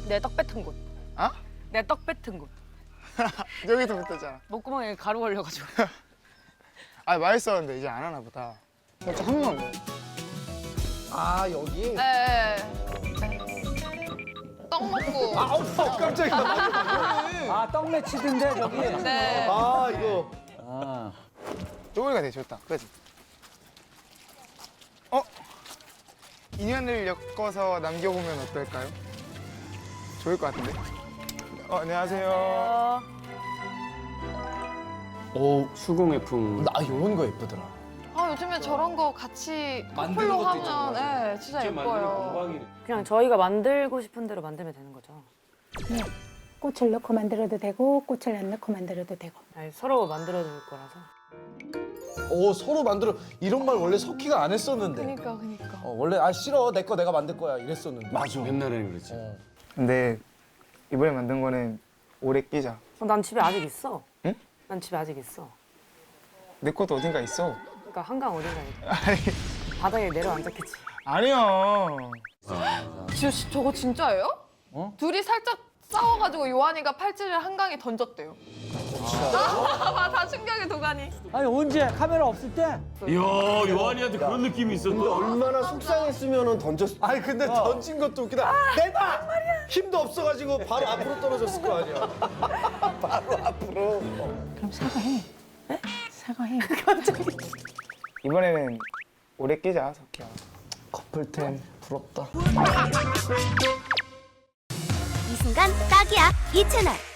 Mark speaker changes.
Speaker 1: 내 떡 뱉은 곳.
Speaker 2: 어?
Speaker 1: 내 떡 뱉은 곳.
Speaker 2: 여기도 뱉었잖아.
Speaker 1: 목구멍에 가루 걸려가지고.
Speaker 2: 아 맛있었는데 이제 안 하나 보다. 살짝 한 번만 먹어.
Speaker 3: 아 여기?
Speaker 4: 네. 떡 먹고.
Speaker 3: 깜짝이야.
Speaker 5: 아, 떡 매치던데 저기.
Speaker 4: 네.
Speaker 3: 아 이거.
Speaker 5: 아.
Speaker 2: 쪼그리가 되게 좋다. 그지? 인연을 엮어서 남겨보면 어떨까요? 좋을 것 같은데? 안녕하세요.
Speaker 6: 오 수공예품.
Speaker 3: 나 이런 거 예쁘더라.
Speaker 4: 아 요즘에 저런 거 같이
Speaker 6: 만드는
Speaker 4: 커플로
Speaker 6: 것도
Speaker 4: 하면
Speaker 6: 있잖아.
Speaker 4: 네, 진짜 예뻐요.
Speaker 1: 그냥 저희가 만들고 싶은 대로 만들면 되는 거죠.
Speaker 7: 네. 꽃을 넣고 만들어도 되고 꽃을 안 넣고 만들어도 되고.
Speaker 1: 아니, 서로 만들어줄 거라서.
Speaker 3: 오 서로 만들어. 이런 말 원래 석희가 안 했었는데.
Speaker 4: 그니까.
Speaker 3: 원래 아 싫어 내 거 내가 만들 거야 이랬었는데. 맞아.
Speaker 6: 옛날에는 그랬지.
Speaker 2: 근데 이번에 만든 거는 오래 끼자.
Speaker 1: 난 집에 아직 있어.
Speaker 2: 응?
Speaker 1: 난 집에 아직 있어.
Speaker 2: 내 것도 어딘가 있어.
Speaker 1: 그러니까 한강 어딘가에
Speaker 2: 아니,
Speaker 1: 바닥에 내려앉았겠지.
Speaker 2: 아니야.
Speaker 4: 저거 진짜예요?
Speaker 5: 어?
Speaker 4: 둘이 살짝 싸워가지고 요한이가 팔찌를 한강에 던졌대요. 다 충격의 도가니.
Speaker 5: 아니 언제 카메라 없을 때?
Speaker 6: 이야 요한이한테 그런 느낌이 있었다.
Speaker 3: 얼마나 속상했으면은 던졌. 아니 근데 던진 것도 웃기다. 내봐. 힘도 없어가지고 바로 앞으로 떨어졌을 거 아니야. 바로 앞으로.
Speaker 7: 그럼 사과해. 네? 사과해.
Speaker 2: 이번에는 오래 끼자, 석희야.
Speaker 3: 커플템 부럽다.
Speaker 8: 이 순간 딱이야 이 채널.